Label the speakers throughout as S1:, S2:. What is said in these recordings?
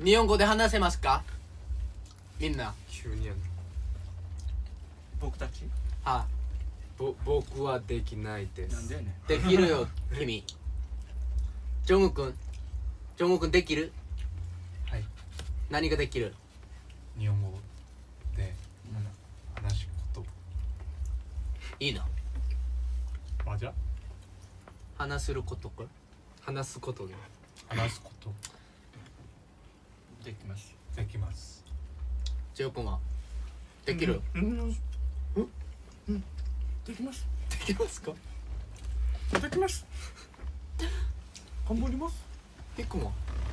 S1: 日本語で話せますかみんな。
S2: 急にやん
S3: 僕たち
S1: は
S2: 僕はできないです
S3: なんでやねん
S1: い。できるよ君。ジョング君。ジョング君できる？
S2: はい。
S1: 何ができる？
S2: 日本語で話すこと
S1: いいな。
S2: 맞아?
S1: 話することか。
S2: 話すことで話すこと
S3: できます
S2: できます。
S1: ジョー君はできる？
S3: できます
S1: できますか？
S3: できます頑張ります
S1: ピックも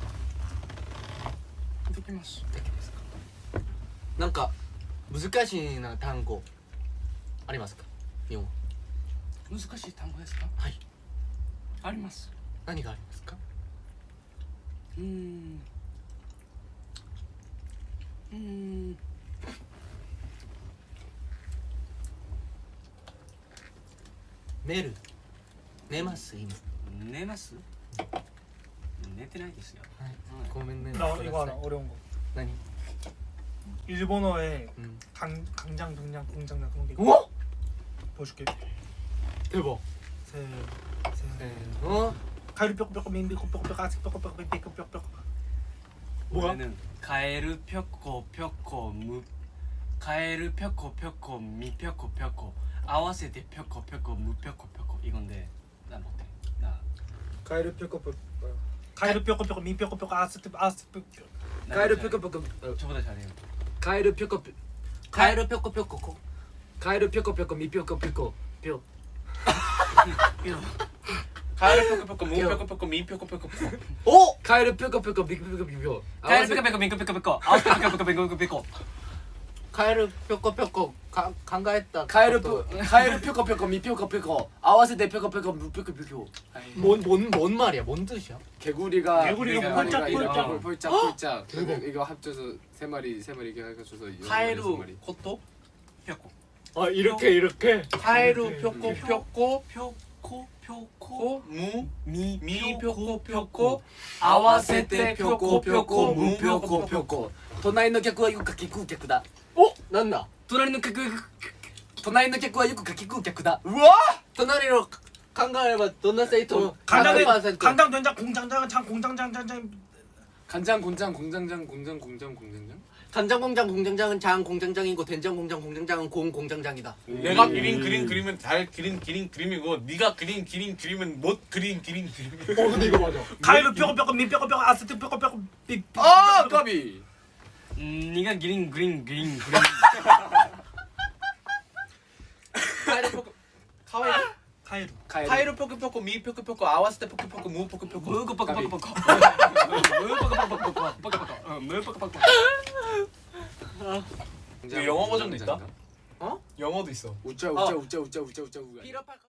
S3: できます
S1: できますか？なんか難しいな単語ありますか？日本語。
S3: 難しい単語ですか？
S1: はい。
S3: あります。
S1: 何がありますか？メール寝ます今。
S3: 寝ます？寝てないですよ。
S1: はい。ごめんね。
S4: 나 이거 알아 어려운 거
S1: 何？
S4: 일본어에
S1: 음.
S4: 강장 등장 공장장 그런 게 있고
S1: 어?
S4: 보여줄게
S1: 대박.
S4: 세
S1: 어?
S4: 가위로 뼈뼈 민비뼈뼈 아직 뼈뼈뼈 뭐야?
S3: 우리는 가에르 펴코 펴코 무 가에르 펴코 펴코 미 펴코 펴코 아와세대 펴코 펴코 무 펴코 펴코 이건데 나 못해. 나
S4: 가위로 뼈뼈뼈 가위로 뼈뼈 민뼈뼈 아스
S2: 가에르 뾰꼬뾰꼬
S3: 저보다 잘해요.
S2: 가에르 뾰꼬뾰
S1: 가에르 뾰꼬뾰꼬.
S2: 가에르 뾰꼬뾰꼬 미 뾰꼬뾰꼬 뾰
S3: 가에르 펴코 펴코 무 펴코 펴코 미 펴코 펴코
S1: 오!
S2: 가에르 뾰꼬뾰꼬 미 뾰꼬뾰꼬
S3: 가에르 펴코 펴코 미 펴코 펴코 아와세 펴코 펴코 미 펴코 펴코
S1: 가에르 뾰꼬뾰꼬 강가했다.
S2: 가에르 뾰꼬뾰꼬 미 뾰꼬뾰꼬 아와세대 뾰꼬뾰꼬 무 뾰꼬뾰꼬
S1: 뭔 말이야? 뭔 뜻이야?
S2: 개구리가
S4: 폴짝, 폴짝.
S2: 폴짝 이거 합쳐서 세 마리 이렇게 해가지고서
S3: 가에르 코토 펴코
S1: 아 이렇게.
S3: 가에르 펴코 펴코 펴코 펴코 무미 펴코 펴코 아와세테 펴코 펴코 무 펴코 펴코
S2: 隣の客はよくかき食う客だ
S1: 어? 난다.
S2: 隣の客はよくかき食う客だ
S1: 우와! 도나리로 강가해봐. 도나 세이토
S4: 간장에
S1: 100%.
S4: 간장 된장 공장장 장 공장장
S2: 간장 공장장 공장장
S1: 간장 공장 공장장은 장 공장장이고 된장 공장 공장장은 공 공장장이다.
S5: 내가 그린 그림 그리면 잘 그린 그림이고 네가 그린 그림은 못 그린 그림이야.
S1: 근데 이거 맞아.
S4: 가위로 뼈뼈 민뼈뼈 아스 뼈뼈
S2: 아 까비
S3: 네가 그린
S4: 가위로
S5: 가이로 펴고 미 펴고 아와스테 펴고 무 펴고
S3: 무고 빡빡 빡빡 빡빡 무고 빡빡
S5: 영어 버전도 있다?
S1: 어?
S5: 영어도 있어.
S2: 우짜
S1: 피라파